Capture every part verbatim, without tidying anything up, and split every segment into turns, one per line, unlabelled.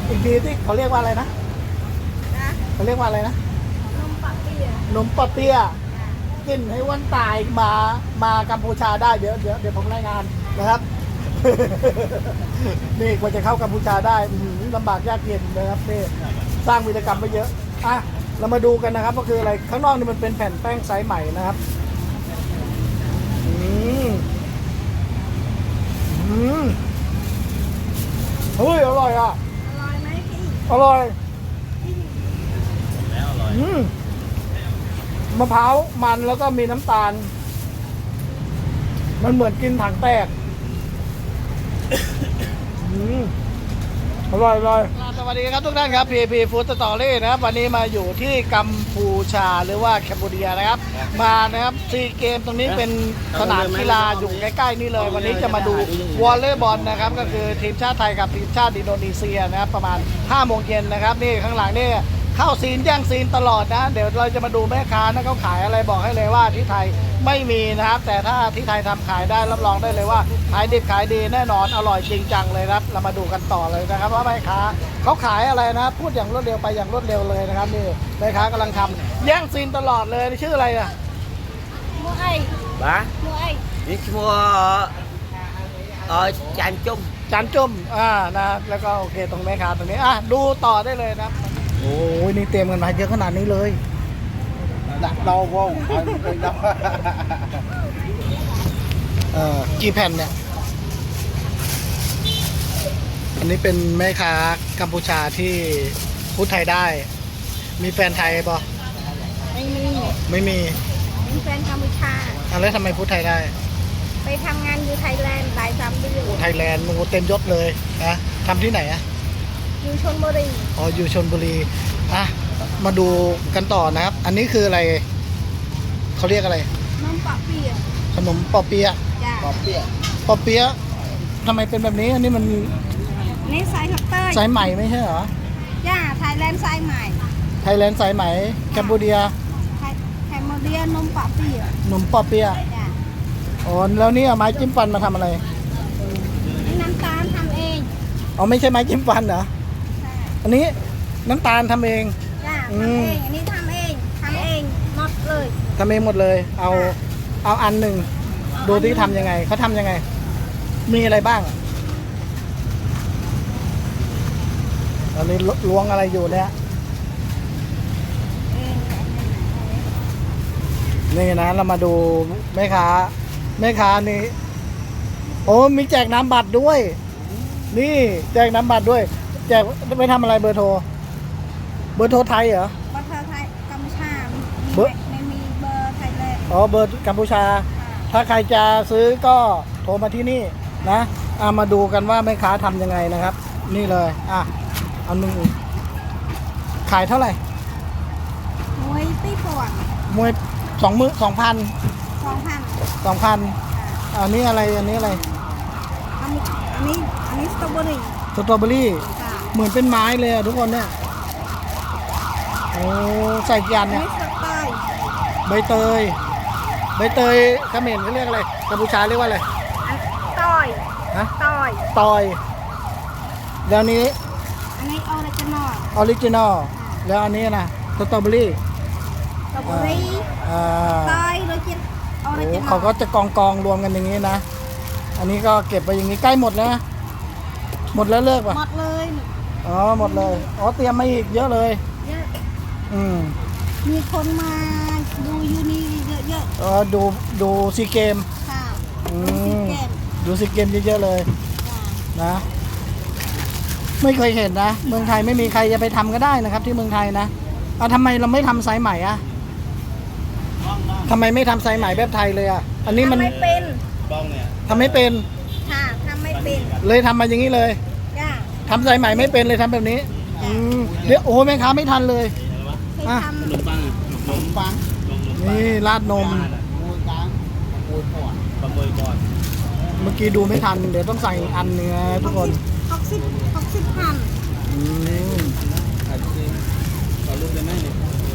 อีกทีที่เขาเรียกว่าอะไรนะ
นะ
เขาเรียกว่าอะไรนะ
นมปักเปีย
ขนมปอเปี๊ยะกินให้วันตายมามากัมพูชาได้เดี๋ยวเดี๋ยวเดี๋ยวผมรายงานนะครับ นี่กว่าจะเข้ากัมพูชาได้อื้อหือลำบากยากเย็นนะครับนี่สร้างวีรกรรมไปเยอะอ่ะเรามาดูกันนะครับก็คืออะไรข้างนอกนี่มันเป็นแผ่นแป้งไซส์ใหม่นะครับอืมอืมเฮ้ยอร่อยอ่ะ
อร่อยไหมพี่
อร่อย
แล้วอร่อย
อืมมะพร้าวมันแล้วก็มีน้ำตาล มันเหมือนกินถังแตก อืมอร่อยอร่อยสวัสดีครับทุกท่านครับ พี พี Food Story นะครับ วันนี้มาอยู่ที่กัมพูชาหรือว่าแคนเบเดียนะครับ มานะครับซีเกมตรงนี้เป็นสนามกีฬาอยู่ใกล้ๆนี่เลย วันนี้จะมาดูวอลเลย์บอลนะครับ ก็คือทีมชาติไทยกับทีมชาติอินโดนีเซียนะครับ ประมาณห้าโมงเย็นนะครับ นี่ข้างหลังนี่เข้าซีนแย่งซีนตลอดนะ เดี๋ยวเราจะมาดูแม่ค้านะเขาขายอะไรบอกให้เลยว่าที่ไทยไม่มีนะครับ แต่ถ้าที่ไทยทำขายได้รับรองได้เลยว่าขายดิบขายดีแน่นอนอร่อยจริงจังเลยครับเรามาดูกันต่อเลยนะครับว่าแม่ค้าเขาขายอะไรนะ พูดอย่างรวดเร็วไปอย่างรวดเร็วเลยนะครับนี่แม่ค้ากำลังทำแย่งซีนตลอดเลยชื่ออะไรอ่ะ
มัวไอ
บ้า
มัวไอ
นี่ชัวเออจานจุ่ม
จานจุ่มอ่านะแล้วก็โอเคตรงแม่ค้าตรงนี้อ่ะดูต่อได้เลยนะโอ้ยนี่เตรียมกันมาเยอะขนาดนี้เลย
đặt đâu vô đâu
เอ่อกี่แผ่นเนี่ย อันนี้เป็นแม่ค้ากัมพูชาที่พูดไทยได้ มีแฟนไทยปะ
ไม่มี
ไม่มี
เป็นแฟนกัมพูชา
อ่ะแล้วทำไมพูดไทยได้
ไปทำงานอยู่ไทยแลนด์หลายสามเดือน
โอ้ไทยแลนด์โอ้โหเต็มยศเลยนะทำที่ไหนอะ
อยู่ชลบุรี
อ๋ออยู่ชลบุรีอ่ะมาดูกันต่อนะครับ อันนี้คืออะไรเขาเรียกอะไร
นมปักเปีย
ขนมปอเปี๊ยะ
จ้า
có biết
ปอเปี๊ยะทำไมเป็นแบบนี้ อันนี้มัน
นี่ไซส์คัตเตอร์
สายใหม่ไม่ใช่เหรอ
จ้าไทยแลนด์ไซส์ใหม่
ไทยแลนด์สายไหมแคนเบเดีย
ไทยแคมโมเดียนมปักเปีย
ขนมปอเปี๊ยะ
จ้า
อ๋อแล้วนี่เอาไม้จิ้มฟันมาทำอะไร
นี่น้ำตาลทำเอง
อ๋อไม่ใช่ไม้จิ้มฟันเหรอ
ใช่
อันนี้น้ำตาลทำเอง
จ้า
อื
ทำ
ม
เองอันนี้ทำเองทำเองหมดเลย
ทำเองหมดเลย เอาเอาอันหนึ่งดูที่ทำยังไงเขาทำยังไง มีอะไรบ้างตอนนี้ล้วงอะไรอยู่เนี่ย
เอง
นี่นะเรามาดูแม่ค้าแม่ค้านี่โอ้มีแจกน้ำบัตรด้วย นี่แจกน้ำบัตรด้วย แจกไปทำอะไรเบอร์โทร เบอร์โทรไทยเหรอ
บัตรไทยกัมพูชา
เบอร์
ไม่มีเบอร์ไทยแลนด์
อ๋อเบอร์กัมพูชา
ค่ะ
ถ้าใครจะซื้อก็โทรมาที่นี่นะเอามาดูกันว่าแม่ค้าทำยังไงนะครับ นี่เลยอ่ะอันหนึงขายเท่าไหร่
มวยตีปวด
มวยสองมือสองพัน
สองพัน
สองพันอันนี้อะไรอันนี้อะไร
อันนี้อันนี้อันนี้สตรอเบอรี่
สตรอเบอรี่
ค่ะ
เหมือนเป็นไม้เลยอะทุกคนเนี่ยโอ้ใส่กี่อัน
อัน
เนี่ย
นี้สเตอร์
ใบเตยใบเตยเขมรเขาเรียกอะไรกัมพูชาเรียกว่าอะไร
อันต้อย
ฮะ
ต้อย
ตอยแล้วนี้
อันนี้ออริจินอล
ออริจินอลแล้วอันนี้นะสตรอเบอรี่
สตรอเบอรี่
อ่า
ต้อยออริจินออริ
โอ้
จินอล
เขาก็จะกองกองๆรวมกันอย่างนี้นะ อันนี้ก็เก็บไปอย่างนี้ใกล้หมดแล้วนะหมดแล้วเลิกป่ะ
หมดเลย
อ๋อหมดเลยอ๋อเตรียมมาอีกเยอะเลย
เยอะ
อืม
มีคนมาดูยูนี่เยอะ
เออดูดูซีเกม
ๆค่ะ
อื
ดูสิ
ม
เกม
ดูซีเกมเยอะๆเลย
ค่ะ
นะไม่เคยเห็นนะเมืองไทยไม่มีใครจะไปทำก็ได้นะครับ ที่เมืองไทยนะเอาทำไมเราไม่ทำสายใหม่อะทำไมไม่ทำสายใหม่แบบไทยเลยอะอันนี้มัน
ทำไม่เป็น
bông nè
ทำไม่เป็น
ค่ะทำไม่เป็น
เลยทำมาอย่างนี้เลย
จ้า
ทำสายใหม่ไม่เป็นเลยทำแบบนี้อืมเดี๋ยวโอ้โหแม่ค้าไม่ทันเลย
เคย
อ่ะ
ท
nấm băng nấm băng
นี่ราดนม
mùi cán mùi cỏ và mùi cỏ
เมื่อกี้ดูไม่ทัน เดี๋ยวต้องใส่อันเนื้อ
ำ
ทุกคน
หกสิบหกสิบพัน
อืม
à chị có lúc đến đây này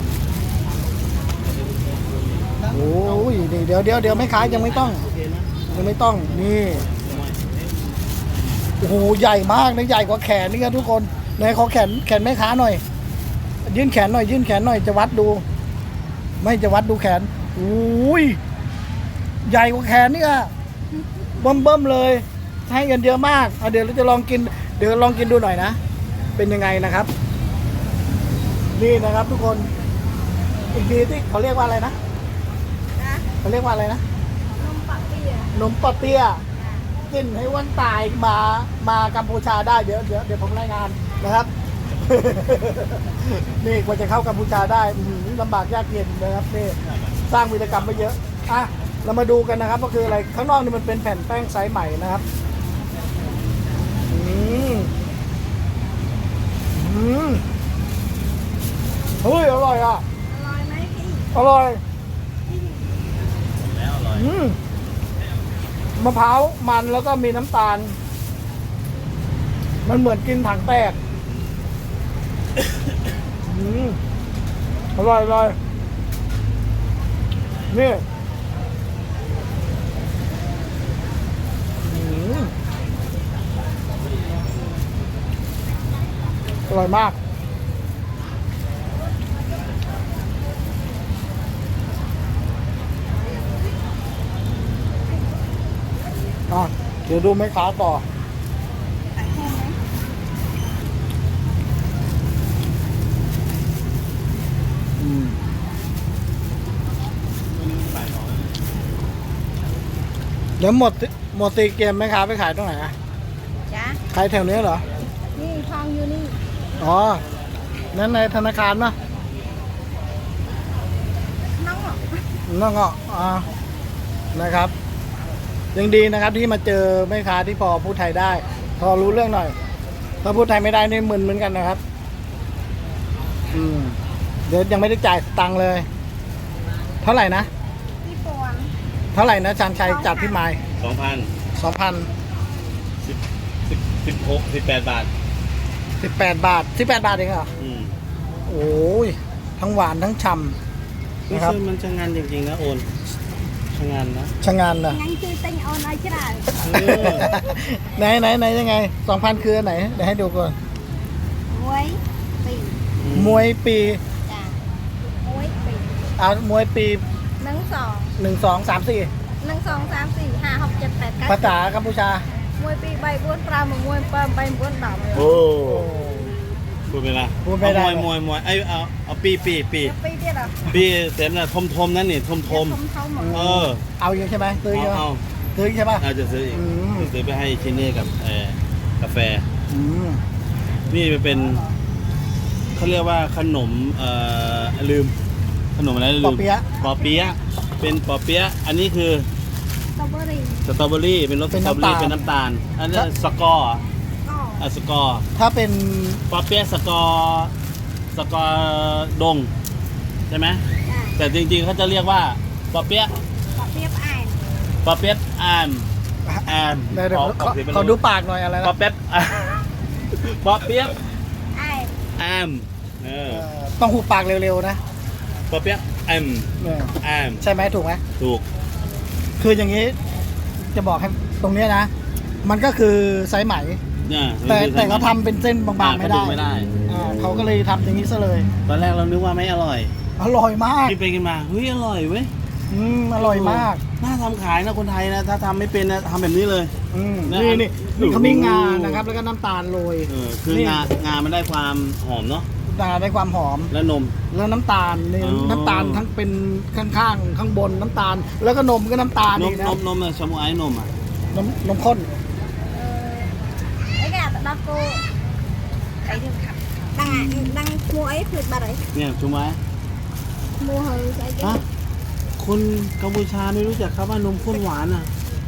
โอ้ยนี่เดี๋ยวเดี๋ยวเดี๋ยวไม่ขายยังไม่ต้อง ยังไม่ต้องนี่โอ้โหใหญ่มากนะใหญ่กว่าแขนนี่ครับทุกคนไหนขอแขนแขนแม่ค้าหน่อย ยื่นแขนหน่อย ยื่นแขนหน่อยจะวัดดู ไม่จะวัดดูแขนอุ้ยใหญ่กว่าแขนนี่อะเบิ่มเบิ่มๆเลยให้กันเยอะมากเอาเดี๋ยวเราจะลองกิน เดี๋ยวลองกินดูหน่อยนะ เป็นยังไงนะครับ นี่นะครับทุกคน อีกทีที่เขาเรียกว่าอะไรนะ
นะ
เขาเรียกว่าอะไรนะ
นมปักเปีย
นมปะเปียะกินให้วันตายมามากัมพูชาได้เดี๋ยวเดี๋ยวเดี๋ยวผมรายงานนะครับ นี่กว่าจะเข้ากัมพูชาได้อื้อหือลำบากยากเย็นนะครับนี่สร้างวีรกรรมไปเยอะอ่ะเรามาดูกันนะครับก็คืออะไรข้างนอกนี่มันเป็นแผ่นแป้งไซส์ใหม่นะครับอืมอืมเฮ้ยอร่อยอ่ะ
อร่อยไหมพี่
อร่อย
แล้วอร่อย
อืมมะพร้าวมันแล้วก็มีน้ำตาล มันเหมือนกินถังแตก อืมอร่อยอร่อยนี่อืมอร่อยมากอ่ะเดี๋ยวดูแม่ค้าต่อ
ใส่แห้งไหม
อืมเดี๋ยวหมดหมดตีเกมไหมครับไปขายตรงไหนอะ
จ้ะ
ขายแถวนี้เหรอ
นี่ทองอยู่นี่
อ๋อ นั่นในธนาคารปะ
น้องเหรอ
นั่นก็อ่านะครับ ยังดีนะครับที่มาเจอแม่ค้าที่พอพูดไทยได้ พอรู้เรื่องหน่อย ถ้าพูดไทยไม่ได้นี่มึนเหมือนกันนะครับ อืม เดี๋ยวยังไม่ได้จ่ายตังค์เลย เท่าไหร่นะ
พี่ปวง
เท่าไหร่นะชานชัยจัดพี่ไม้
สองพัน
สองพัน
สิบสิบสิบหกสิบแปดบาท
สิบแปดบาทสิบแปดบาทเองเหรอ
อืม
โอ้ย ทั้งหวานทั้งฉ่ำ
นี่
นะครับ
คือมันชะงานจริงๆนะโอนชะงานนะ
ชะงานนะ
งั้นคือเต็งเอาน้อยจะได้
เออ
ไหนไหนไหนยังไงสองพันคืออันไหน เดี๋ยวให้ดูก่อน
มวยปี
มวยปี
จ้ะมวยปี
เอามวยปี
หนึ่งสอง
หนึ่งสองสามสี่
หนึ่งสองสามสี่ห้าหกเจ็ดแปดเก้า
ภาษากัมพูชาม
วยปีใบบ้วนปลาหมึกมวยเปิมใบบ้วนดอก
โอ้
โอ้
พูดไม่ได้
พูดไม่ได้
เอามวยมวยมวยไอยเอาเอาปีปีปี
จะปีเดียวเหรอ
ปีเต็มนะทมทมนั่นนี่ทมทม
ทมเท่าหมด
เออ
เอาอยู่ใช่ไหมซื้อ
เอา
เยอะ
เอา
ซื้อใช่ปะ
เอาจะซื้ออีก
อืม
จะซื้อไปให้ชินนี่กับเอ่อกาแฟ
อืม
นี่มันเป็นเขาเรียกว่าขนมเอ่อลืม ขนมอะไรลืม
ปอเปี๊ยะ
ปอเปี๊ยะเป็นปอเปี๊ยะอันนี้คือ
สตรอเบอรี่
สตรอเบอรี่เป็นรสส
เป็น
ตรอเบอ
น้ำตา
รี่
ล
เป็นน้ำตาล อันนี้สกอร์อ่ะ
ก็
อ่ะสกอร์
ถ้าเป็น
ปอเปี๊ยะสกอร์สกอร์ดงใช่ไหม
จ้ะ
แต่จริงๆเขาจะเรียกว่าปอเปี๊ยะ
ปอกเปียบอ่าน
ปอเปี๊ยะอามอาม
เดี๋ยวเดี๋ยว
ขอ
ขอ
ขอเสียงเป็น
ขอดูปากหน่อยอะไร
ปอ
นะ
เปี๊ยะ ปอเปี๊ยะ
อ่าน
อามเออ
เอ่อต้องหูปากเร็วๆนะ
ปอเปี๊ยะอาม
เออ
อาม
ใช่ไหมถูกไหม
ถูก
คืออย่างนี้ จะบอกให้ตรงเนี้ยนะ มันก็คือไซส์ไหม
เนี่ย
แต่แต่เขาทำเป็นเส้นบางๆไม่ได้
ไม่ได้
อ่าเขาก็เลยทำอย่างนี้ซะเลย
ตอนแรกเรานึกว่าไม่อร่อย
อร่อยมาก
กินไปกินมาเฮ้ยอร่อยเว้ย
อืมอร่อยมาก
น่าทำขายนะคนไทยนะ ถ้าทำไม่เป็นนะทำแบบนี้เลย
อืม
นะ
นี่นี่
ดู
นี่เขามีงานะครับ แล้วก็น้ำตาลโรย
เออคือ
นี่
งางามันได้ความหอมเนาะ
งาได้ความหอม
และนม
แล้วน้ำตาลนี่
อ๋อ
น้ำตาลทั้งเป็นข้างๆข้างบนน้ำตาล แล้วก็นมก็น้ำตาล
น
อี
ม
กนะ
นมนมอะชามูไอ้นมอ่ะ
นมนมข้น
เออไอ้แกแต่ดักโกไอ้เรื่องขับดังอ่ะดังมัวไอ้ผลิตบาร์ไอ้
เนี่ยชามูไอ้
มัวเฮยไอ้แก
ฮะคนกัมพูชาไม่รู้จักครับว่านมข้นหวานอ่ะ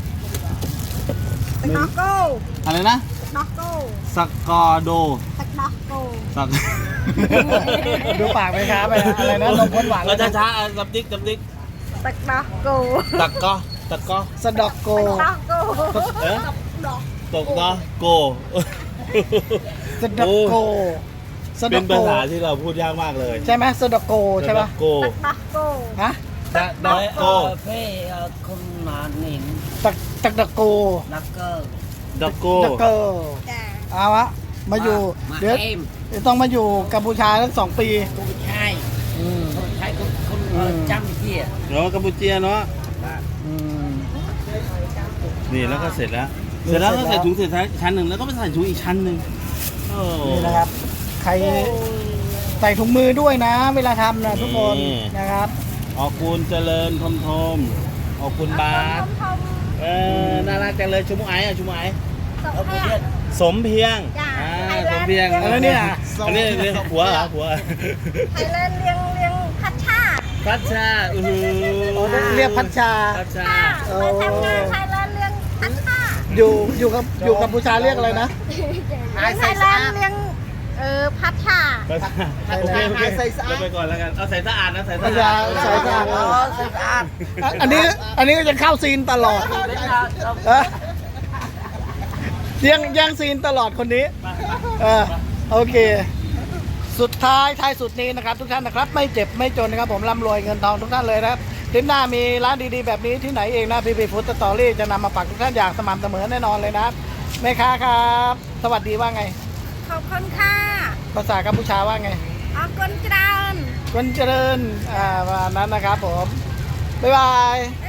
ตักดักโก
อะไรนะ
ดักโก
สกอร์โด
ตักดักโก
สัก
ดูปากไหมครับไปนะอะไรนะนมข้นหวาน
เราช้าๆอ่ะจับติ๊กจับติ๊ก
ตักดักโก
ตักก็ตักก็
สะดอกโก
ตักดักโก
เอ๊ะ
ตักดัก
ตกก็โก
สะดอกโกสะด
เป็
อน กโก
ภาษาที่เราพูดยากมากเลย
ใช่ไหมสะดอกโกใช่ปะ
โก
ตักดักโก
ฮะ
ตักดักโก
เพ่คนมาหนิน
ตักตักดอกโก
ลักเกอร์
ดักโก
ดักโก
จ้า
เอาวะมาอยู่
มา
เดี๋ยว
เอ็ม
เดี๋ยวต้องมาอยู่กัมพูชาทั้งสองปี
คนใช่
อืม
คนใช่คนคนเออ
อืม
จำที่อ่ะ
เนาะกัมพูเชียเนาะ
อืม
นี่แล้วก็เสร็จแล้ว
นี่
เสร็จแล้ว
เสร็
ก็
จแล้ว
ใส่ถุงเสร็จชั้นหนึ่งแล้วก็ไปใส่ถุงอีกชั้นหนึ่งโอ้
นี่นะครับ ใครใส่ถุงมือด้วยนะ เวลาทำนะทุกคน
นี่
นะครับ
ออกคุณเจริญทมทมออกคุณบาส
ทม
เออน่ารักจังเลยชุมไอ้อะชุมไอ้
ๆสองแผ่น
สมเพียง
จ้ะ
อ่า
ไทยแลนด์
สมเพียง
แล้วเนี่ย
อันนี้เรียกผัวเหรอผัว
ไทยแลนด์เลี้ยงเลี้ยงพัชชา
พัชชาอือหือ
โอ้เรียกพัชชา
พัชชา
ค่ะไปทำงานไทยแลนด์เลี้ยงพัชชา
อยู่อยู่กับอยู่กัมพูชาเรียกอะไรนะ
เลี้ยงไทยแลนด์เลี้ยงเออพัชชา
พัชชาโอเคโอเคเราไปก่อนแล้วกันเอาใส่สะอาดนะใส่
พั
สะ
ช
อา
ชา
ด
ใส่สะอาด
อ๋อสะอาด
อ่ะอันนี้อันนี้ก็จะเข้าซีนตลอดเออยังยังซีนตลอดคนนี้เออโอเค สุดท้ายท้ายสุดนี้นะครับ ทุกท่านนะครับ ไม่เจ็บไม่จนนะครับ ผมร่ำรวยเงินทองทุกท่านเลยนะครับทริปหน้ามีร้านดีๆแบบนี้ที่ไหนเองนะพีพีฟู้ดสตอรี่จะนำมาฝากทุกท่านอย่างสม่ำเสมอแน่นอนเลยนะครับแม่ค้าครับ สวัสดีว่าไง
ขอบคุณค่ะ
ภาษากัมพูชาว่าไง
ขอบคุณเจริญ
คนเจริญอ่าประมาณนั้นนะครับผมบ๊ายบาย